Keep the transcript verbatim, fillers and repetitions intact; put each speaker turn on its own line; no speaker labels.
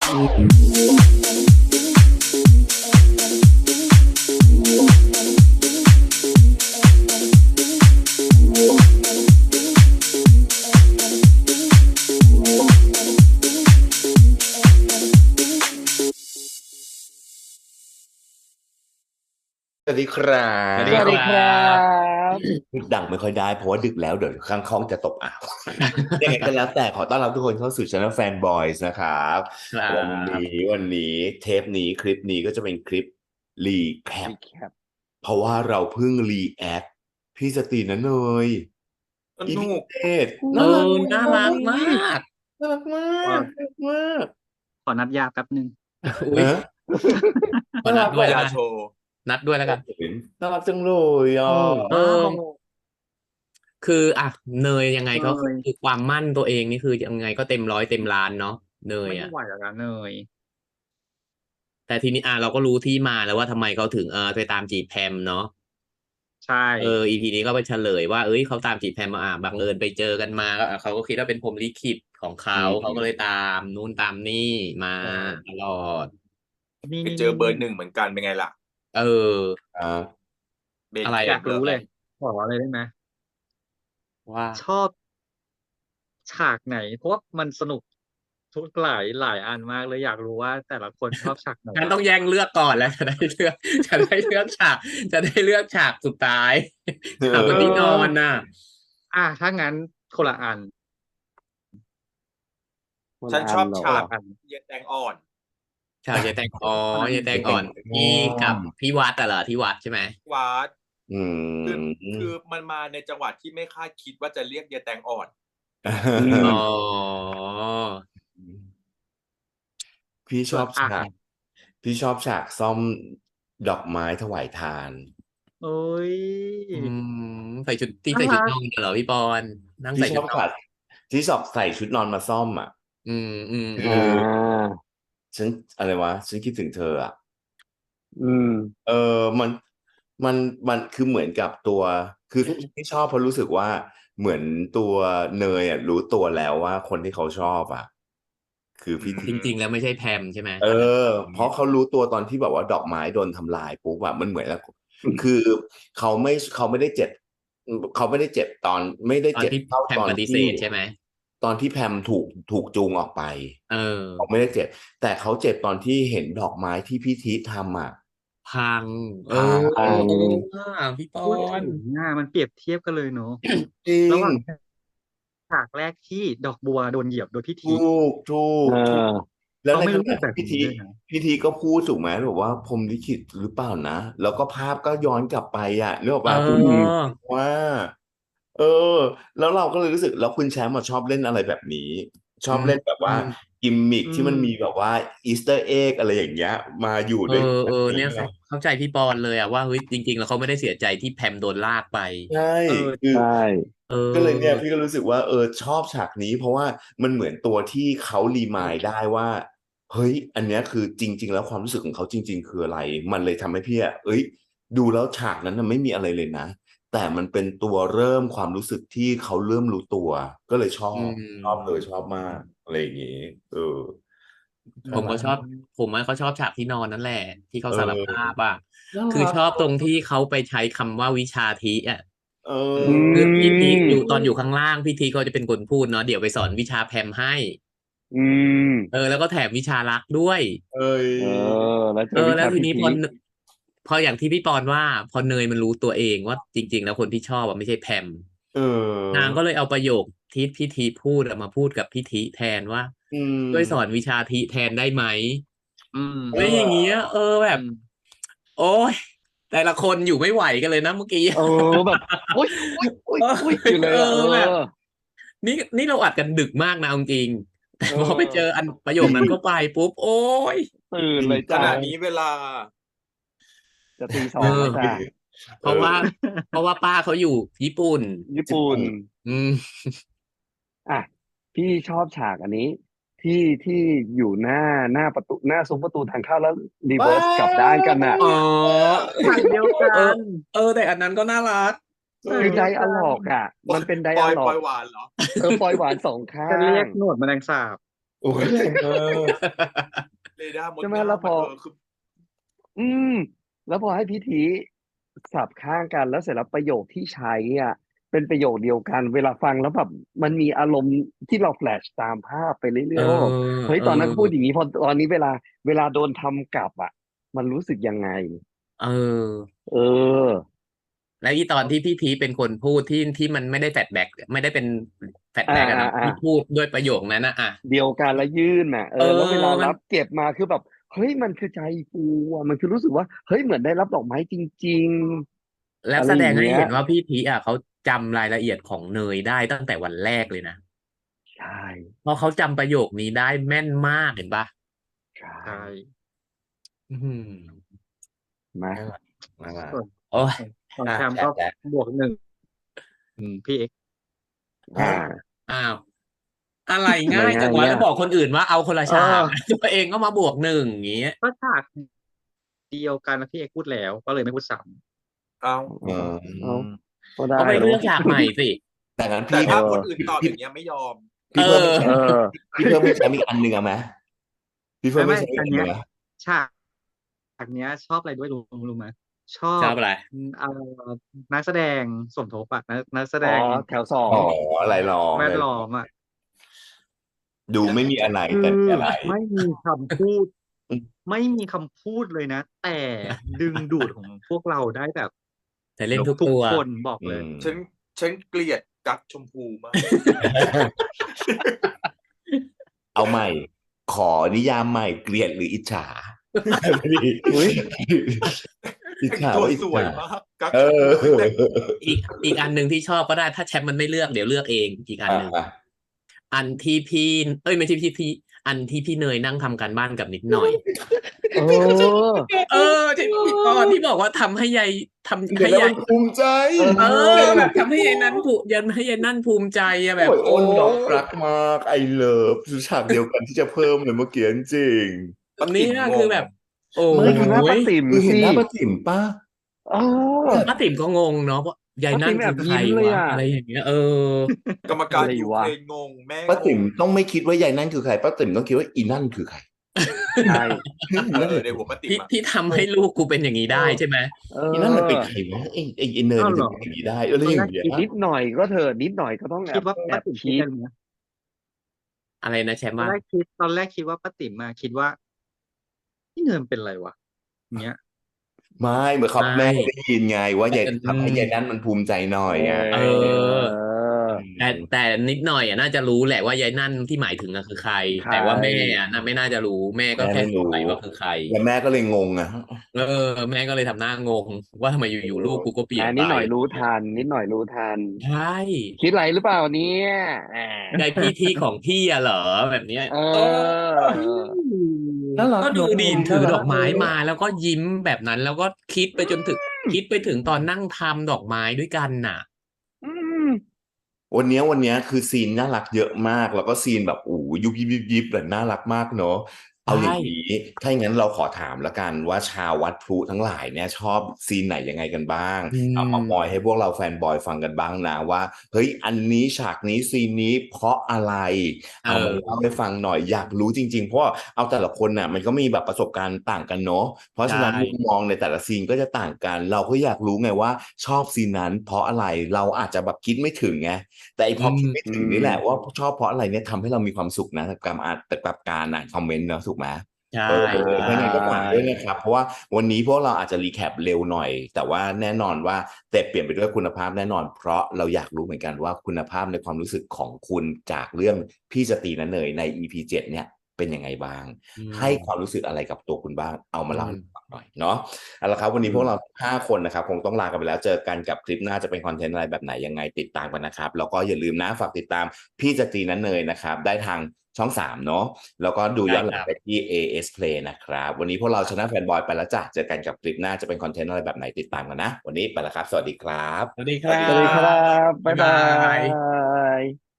สวัสดีครั
สวัส
บ
ดี
สวัส
ค
ดี
รั
ครับ บ
พูดดังไม่ค่อยได้เพราะว่าดึกแล้วเดี๋ยวข้างห้องจะตกอ่าว ยังไงก็แล้วแต่ขอต้อนรับทุกคนเข้าสู่ Channel Fan Boys นะครับ
ครับ
วันนี้วันนี้เทปนี้คลิปนี้ก็จะเป็นคลิปรีแคป
รีแคป
เพราะว่าเราเพิ่งรีแอคพี่สตรีนะเนย
ส
อี
นุ
พี
ก
เจ็ด
เอ
น่ารัก
อ น่ารักมาก
น่ารักมาก น่ารักมาก
ขอนัดยาแป๊บหนึ่ง
อุ๊ย
ฮะ
ขอนัดด้วย
น่า
แล้ว
รั
กั
ก
น นัดด้วยแล้วกัน
น่ารักจังเลยอ่ะ
เออ คืออ่ะเนยยังไง
เน
ก็
ย
คือความมั่นตัวเองนี่คือยังไงก็เต็มร้อยเต็มล้านเนาะ เนย
ไม่
อะ
ไหวแล้วนะเนย
แต่ทีนี้ อ่า เราก็รู้ที่มาแล้วว่าทำไมเขาถึง เอ่อ ไปตามจีบแพมเนาะ
ใช่
เออ อี พี นี้ก็ไปเฉลยว่า เฮ้ย เขาตามจีบแพมมา อ่า บังเอิญไปเจอกันมา ก็ อ่า เขาก็คิดว่าเป็นพรหมลิขิตของเข
อื
า
ม
เขาก็เลยตามนู่นตามนี่มา
ใช่
ตลอด
นี่
ไปเจอเบอร์หนึ่งเหมือนกันเป็นไงล่ะ
เออ
ครับ
เบน
อะไร
เข
อยาก
หร
รู้
อ
เลย ขอเลยได้ไหม?
ว่า
ชอบ ฉากไหน? เพราะว่ามันสนุกทุก หลาย หลายอันมากเลย อยากรู้ว่าแต่ละคนชอบฉากไหน?
งั้นต้องแย่งเลือกก่อนแล้ว จะได้เลือก จะได้เลือกฉาก จะได้เลือกฉากสุดท้าย
เอ
ฉากบน
อ
ที่นอนน่ะ
อา ถ้างั้นคนละอัน
ฉันชอบฉ
คน
า
ละ
ก
อัน
เยายแตงอ่อน
ฉากยายแตง อ๋อ
อันนั้น
ยายแตงอ่อน ที่กับพี่วัดอะเหรอ? ที่วัดใช่ไหม?
วัด
อื
คือ คื
ม
อมันมาในจังหวะที่ไม่คาดคิดว่าจะเรียกยายแตงอ่อน
อืม
อ๋อ
พี่ช
ส่ว
อน บ
อะ
ฉาก พี่ชอบฉากซ่อมดอกไม้ถวายทาน
โอ๊ย
อืม ใส่ชุด ที่
น่า
ใส่ชุด
รัก
นอน อะเหรอพี่ปอน นั่ง
พี่
ใส่
ช
ชุด
อบ
นอ
ฉาน ก ที่สอบใส่ชุดนอนมาซ่อมอะ
อืม
ค
ๆ
ื
ๆ
อ
อา
ฉัน อะไรวะ ฉันคิดถึงเธออะ
อืม
เออ มัน มัน มัน คือเหมือนกับตัว คือที่ ที่ชอบเพราะรู้สึกว่า เหมือนตัวเนยอะรู้ตัวแล้วว่าคนที่เขาชอบอะ คือ
อื
พี่ ท
จริง ๆ แล้วไม่ใช่แพมใช่ไหม?
เอ
ตอนนั้น
อ เพราะเขารู้ตัวตอนที่แบบว่าดอกไม้โดนทำลายปุ๊บอะ มันเหมือนกับ คือเขาไม่ เขาไม่ได้เจ็บ อืม เขาไม่ได้เจ็บตอน ไม่ได้
ตอ
เ
นที่
จ็บเท่า
แพมปฏิ
ตอนท
เสี่ ธใช่ไหม?
ตอนที่แพมถูก ถูกจูงออกไป
เ
เขา
ออ
ไม่ได้เจ็บ แต่เขาเจ็บตอนที่เห็นดอกไม้ที่พี่ทิทำอะ
พัง เอ
พ
อ
พั ง
เออ ว่ะ พี่ปอ
พูดถึ
น
งอะมันเปรียบเทียบกันเลยเนาะ
จริง
ระหว่าง ฉากแรกที่ดอกบัวโดนเหยียบโดยพี่
ถ
ทิ
ถูก ถู
เอก
ถูก
อ
แล้วใน
เขาไม่ รู้
ขณ
สึ
ะท
กแบี่
พี่
บนี
ท้ ิ
ด้วยนะ
พี่ทิก็พูดถูกไหม? บอกว่าพรหมลิขิตหรือเปล่านะ แล้วก็ภาพก็ย้อนกลับไปอะ นึกออก
เ
เปล่า?
อืม
ออ
ว่า เออ แล้วเราก็เลยรู้สึก แล้วคุณแชมป์อะชอบเล่นอะไรแบบนี้ ช
อื
อบเล่นแบบว่า
ม
gimmick
อื
ที่มันมี
ม
แบบว่า Easter egg อะไรอย่างเงี้ย มาอยู่
เอ
ด้วย แบบ
อ
น
ๆ เ
ี
น้ี่ย
ไ
เข
ง
า เข้าใจพี่ปอนเลยอะว่า เฮ้ย จริง ๆ แล้วเขาไม่ได้เสียใจที่แพมโดนลากไป
ใช่
เออ
คือ
ใช่
เอ
ก็เลยเนี่ย
อ
พี่ก็รู้สึกว่า เออ ชอบฉากนี้ เพราะว่ามันเหมือนตัวที่เขา remind ได้ว่า เฮ้ย อันเนี้ยคือจริง ๆ แล้วความรู้สึกของเขาจริง ๆ คืออะไร มันเลยทำให้พี่อะ เฮ้ย ดูแล้วฉากนั้นน่ะไม่มีอะไรเลยนะ แต่มันเป็นตัวเริ่มความรู้สึกที่เขาเริ่มรู้ตัว ก็เลยชอ
อื
บ ชอบเลย
ม
ชอบมาก อะไรอย่างงี้ เออ
อื
ผมก็ชอบ
ม
ผมอะก็ชอบฉากที่นอนนั่นแหละ ที่เข
เ
า
ออ
สารภาพอะ
น่า
คือ
รัก
ชอบตรงที่เขาไปใช้คำว่าวิชาทิอะ
เอ
อื
คือพี่ทิอยู่
ม
ตอนอยู่ข้างล่าง พี่ทิเขาจะเป็นคนพูดเนาะ เดี๋ยวไปสอนวิชาแพมให้
อืม
เออ แล้วก็แถมวิชารักด้วย
เฮ้ย
เออ แล้วเจ
เออ
อวิช
แล้ว
าพ
ที
ี่
นี้
ทิ
พอ น พออย่างที่พี่ปอนว่า พอเนยมันรู้ตัวเองว่า จริง ๆ แล้วคนที่ชอบอะไม่ใช่แพม
เอ
นาง
อ
ก็เลยเอาประโยคที่พี่ทิพูดอะมาพูดกับพี่ทิแทนว่า
อื
"ช่วยสอ
ม
นวิชาทิแทนได้ไหม?"
อืม
อะไรอย่างเงี้ย เออ แบ
อื
บ
ม
โอ๊ย แต่ละคนอยู่ไม่ไหวกันเลยนะเมื่อกี้
เออ แบบ อุ๊ย
เออ
ๆ ๆ ๆ อยู่เล
เ
ย
อ
อะ เอ
อ แบบ
อ
นี่ นี่เราอัดกันดึกมากนะเอาจริง ๆ แต่
เอ
พอไปเจอ
อ
อัน ประโยคนั้นเข้าไปปุ๊บ โอ๊ย
ตื่น
จริง
เลยจ
ข้
ะ
ณะนี้เวลา
จะตี ส
เ
อง แล้ว
ออ
จ้ะ
เพราะว่า เพราะว่าป้าเขาอยู่ญี่ปุ่น
ญี่
ญี่ป
ปุ่น
ุ่น
อืม
อะ พี่ชอบฉากอันนี้ ที่ ที่อยู่หน้า หน้าประตู หน้าซุ้มประตูทางเข้า แล้ว
ว้า
reverse กลับด้านกันน่ะ
อ๋อ
ฉากเดียวกั
เออ
น
เออ แต่อันนั้นก็น่ารัก
เอ
คือ
อ
ไดอะลอก อะ มันเป็น ได
ปอ
อะ
ย
ลอก
ปอยหวานเหรอ?
เออ ปอยหวาน สอง ข้า
จะเรียก
ง
หนวดแมลงสาบ
โอ้ยแรงมาก
เรดาร์มด
ใช่ไหม
งาม
แล้วพอ
อะเธอคือ
อืม แล้วพอให้พิธีสับข้างกันแล้วเสร็จแล้วประโยคที่ใช้อ่ะเป็นประโยคเดียวกัน เวลาฟังแล้วแบบมันมีอารมณ์ที่เราแฟลชตามภาพไปเรื่
เอ
อยๆว่าแบบ
อ
เฮ้ย
เอ
ตอนนั้น
อ
เขาพูดอย่างนี้พอตอนนี้เวลา เวลาโดนทำกลับอ่ะ มันรู้สึกยังไง
เออ
เออ
แล้วอีตอนที่พี่พีชเป็นคนพูดที่ที่มันไม่ได้แฟลชแบ็กไม่ได้เป็นแฟลช
อ่า
แบ็กอะ
อ่า
เนาะ
อ่า
ที่พูดด้วยประโยคนั้นนะอ่ะ
เดียวกันแล้วยื่นน่ะเอ
เอ
อ แล้วเวลา
อ มั
รั
น
บเก็บมาคือแบบเฮ้ยมันคือใจฟูอ่ะมันคือรู้สึกว่าเฮ้ยเหมือนได้รับดอกไม้จริง ๆ
แล้ว
อะไร
แส
อ
ด
ย่าง ง
ให้
เงี้ย
เห็นว่าพี่พีชอะเขาจำรายละเอียดของเนยได้ตั้งแต่วันแรกเลยนะ
ใช่
เพราะเขาจำประโยคนี้ได้แม่นมากเห็นปะ
ใช่
ใช่
อื้อหือ
มา
น่ารักน่ารัก
ส่วน
โอ้ย
ของของ
อ่ะ
แชมป์
แช
ก็
ทแชท
บวกหนึ่งอืมพี่เอ็กซ์
อ่า
อ้าว อะไร
ทำไม
ง่ายจั
ง่าง ย
วะ
เนี่
แล้
ย
วบอกคนอื่นว่าเอาคนละ
เอ
ฉาก
อ
ตัวเองก็มาบวกหนึ่งอย่างงี้
ก็ฉากเดียวกันแล้วพี่เอ็กซ์พูดแล้ว ก็เลยไม่พูดซ้
เอา
เอ
อื
อเอา
ม
ก็ได้
ก็ไป
เน
เลือ
อะ
กฉากใหม่สิ
แต่งั้น
แต่
พี่
ถ้า
เออ
คนอื่น
พี่
ตอบอ
พี่
ย่างเงี้ยไม่ยอม
พี่
เอ
เพิ่มให้
อ
แช
เอ
มป์
อ
พี่เพิ่มให้แชมป์อีกอันหนึ่งเอาไหมพี่เพิ่
ำ
ม
ไม่
ให้
ไม่
แชมป์อีก
อัน
อันห
เนี้
นึ่
ย
งนะ
ฉากฉากเนี้ย ชอบอะไรด้วยรู้รู้ไหมชอ
ชอบบ อะไร
อืมเอ่อนักแสดงสมทบอะนักนักแส
อ๋
ด
อ
ง
แถวสอ
อ๋
ง
ออะไรลอง
แว
อะ
ด
ไรล
ล้อ
อง
มอะ
ดูไม่มีอะไร
คื
แต่
อ
มีอะไร
ไม่มีคำพูด
อืม
ไม่มีคำพูดเลยนะ แต่ดึงดูดของพวกเราได้แบบ
แต่เล่นทุก
ทุก
ตัว
คนบอก
อื
เลย
ม
ฉันฉันเกลียดกั๊กชมพูมาก
เอาใหม่ ขอนิยามใหม่เกลียดหรืออิจฉา
อุ๊ย
อิจ
แต่ง
ฉา
ตัว
ว่าอิจ
สวย
ฉาม
ากกั๊ก
เอ
ชม
อ
พูคือแต่ง
อีกอีกอันหนึ่งที่ชอบก็ได้ ถ้าแชมป์มันไม่เลือกเดี๋ยวเลือกเองอีกอัน
อ่ะ
หนึ่ง
อ่ะ
อันที่พี่ เอ้ยไม่ใช่พี่พี่อันที่พี่เนยนั่งทำการบ้านกับนิดหน่อย
เออ
เออที่ที่ตอนที่บอกว่าทำให้ยายทำ
เดี๋ย
ให้
วแล้ว
ยา
มั
ย
นภูมิใจ
เอ
เอ
อ
อ แบบทำให้ยายนั้นผูยันให้ยายนั่นภูมิใจอะแบ
โอ้
บ
ย
โอ้
อ้นดอกรักมากไอเลิฟฉากเดียวกันที่จะเพิ่มเลยเมื่อกี้จริง
ป้า
เนี่
ติ๋ม
ย
ง
คือง แบบ โอ้
ไม่ดูหน้าป้าติ๋ม
คือเห็น
สิ
หน้าป้าติ๋มป่ะ
เออ
ป้าติ๋มก็งงเนาะว่ายาย
ป้า
นั่
ติ๋
น
มแอ
คือบ ใคร
ยิ้มเลยว
ะ
อะ
อะไรอย่างเงี้ย เออ
กรรม
อะ
การ
ไร
ยู
วะ
เครนงง แม่
ป้าง ติ๋ม
ง
ต้องไม่คิดว่ายายนั่นคือใครป้าติ๋มต้องคิดว่าอีนั่นคือใคร
ใช่
เฮ้ยอี
เอ
นั่น
อ
มัน
ในหัวป้าติ๋ม
ที่
อะ
ที่ทำให้ลูกกูเป็นอย่างนี้ได้ใช่ไหม
เอ
อีนั่นมันเป็น
อ
ใครวะไอ้ไอ้ไอ้เนย
อ้า
มั
วน เห
ถึ
รง อ
เป็นอย่างนี้ได้อะไร
ตอน
อ
แร
ย่าก งเงี้ย
อีกนิดหน่อยก็เถอะนิดหน่อยก็ต้องแอ
คิด
บ
ว่า
แอ
ป้า
บ
ติ๋ม
คิ
คิด
ด
อะไรรู้ไหม
อะไรนะแชมป์
ตอน
ว่า
แรกคิด ตอนแรกคิดว่าป้าติ๋มอะคิดว่า พี่เนยมันเป็นไรวะ อย่างเงี้ย
ไม่เหมือนเขา
ไม่
แม่ได้ยินไงว่า
แต่
ยาย
อื
ทำให้
ม
ยายนั่นมันภูมิใจหน่อยไง
เอ
เออ
อ
แต่แต่นิดหน่อยอ่ะน่าจะรู้แหละว่ายายนั่นที่หมายถึงอะคือใคร
ใคร
แต่ว่าแม่อ่ะน่าไม่น่าจะรู้แม่ก็
แม่
แค่
ไม่
สง
รู้
สัยว่าคือใคร
แล้วแม่ก็เลยงงอ่ะ
เออ แม่ก็เลยทำหน้างง ว่าทำไมอยู่ๆลูกกูก็เปลี่ย
อ่าน
ไป
นิดหน่อยรู้ทัน นิดหน่อยรู้ทัน
ใช่
คิดอะไรหรือเปล่าเนี่ยอ่าย
ายพี่ที่ของพี่อะเหรอแบบเนี้ย
เอ
เออ
อ
น่ารัก
ก็ดู
เนอะ
ดี
น่า
ถือ
รั
ด
ก
อกไม้
เลย
มาแล้วก็ยิ้มแบบนั้น แล้วก็คิดไปจนถึง คิดไปถึงตอนนั่งทำดอกไม้ด้วยกันน่ะ
อืม
วันเนี้ยวันเนี้ยคือซีนน่ารักเยอะมาก แล้วก็ซีนแบบโอ้โหยุบยิบยิบยิบแบบน่ารักมากเนอะเอาอ
ใช่
ย่างนี้ ถ้าอย่างนั้นเราขอถามแล้วกันว่าชาววัดพลุทั้งหลายเนี่ยชอบซีนไหนยังไงกันบ้าง
อื
เอามาม มอยให้พวกเราแฟนบอยฟังกันบ้างนะว่าเฮ้ยอันนี้ฉากนี้ซีนนี้เพราะอะไร
เอ
เอามา
อ
เล่าให้ฟังหน่อยอยากรู้จริงๆเพราะว่าเอาแต่ละคนน่ะมันก็มีแบบประสบการณ์ต่างกันเนอะเพราะ
ใช่
ฉะนั้นมุมมองในแต่ละซีนก็จะต่างกัน เราก็อยากรู้ไงว่าชอบซีนนั้นเพราะอะไรเราอาจจะแบบคิดไม่ถึงไงแต่ไอ้พ
อื
อคิด
ม
ไม่
อื
ถึงนี่แหละ
ม
ว่าชอบเพราะอะไรเนี่ยทำให้เรามีความสุขนะกับการอ่านกับการอ่านคอมเมนต์เนอะถูกไหม
ใช่
เออ
ใช่
เพราะงั้นก็ฝากด้วยนะครับ เพราะว่าวันนี้พวกเราอาจจะรีแคปเร็วหน่อย แต่ว่าแน่นอนว่าแต่เปลี่ยนไปด้วยคุณภาพแน่นอน เพราะเราอยากรู้เหมือนกันว่าคุณภาพในความรู้สึกของคุณจากเรื่องพี่สตรีนะเนยใน อี พี เจ็ดเนี่ยเป็นยังไงบ้าง
อื
ให้
ม
ความรู้สึกอะไรกับตัวคุณบ้างเอามา
อื
เล่าให้
ม
ฟังหน่อยเนาะเอาละครับวัน
อื
นี้พว
ม
กเราห้าคนนะครับคงต้องลากันไปแล้วเจอกันกับคลิปหน้าจะเป็นคอนเทนต์อะไรแบบไหนยังไงติดตามกันนะครับแล้วก็อย่าลืมนะฝากติดตามพี่สตรีนะเนยนะครับได้ทางช่องสามเนาะแล้วก็ดู
ได้
ย้อนห
ค
ลั
รั
ง
บ
ไปที่ เอ เอส Play นะครับวันนี้พวกเราชนะแฟนบอยไปแล้วจ้ะเจอกันกับคลิปหน้าจะเป็นคอนเทนต์อะไรแบบไหนติดตามกันนะวันนี้ไปแล้วครับสวัสดีครับ
สวัสดีค
สวั
รั
สดี
สวัสดี
ค
ค
รั
รับ
บ๊า
บ๊าย ย
บา
บาย ย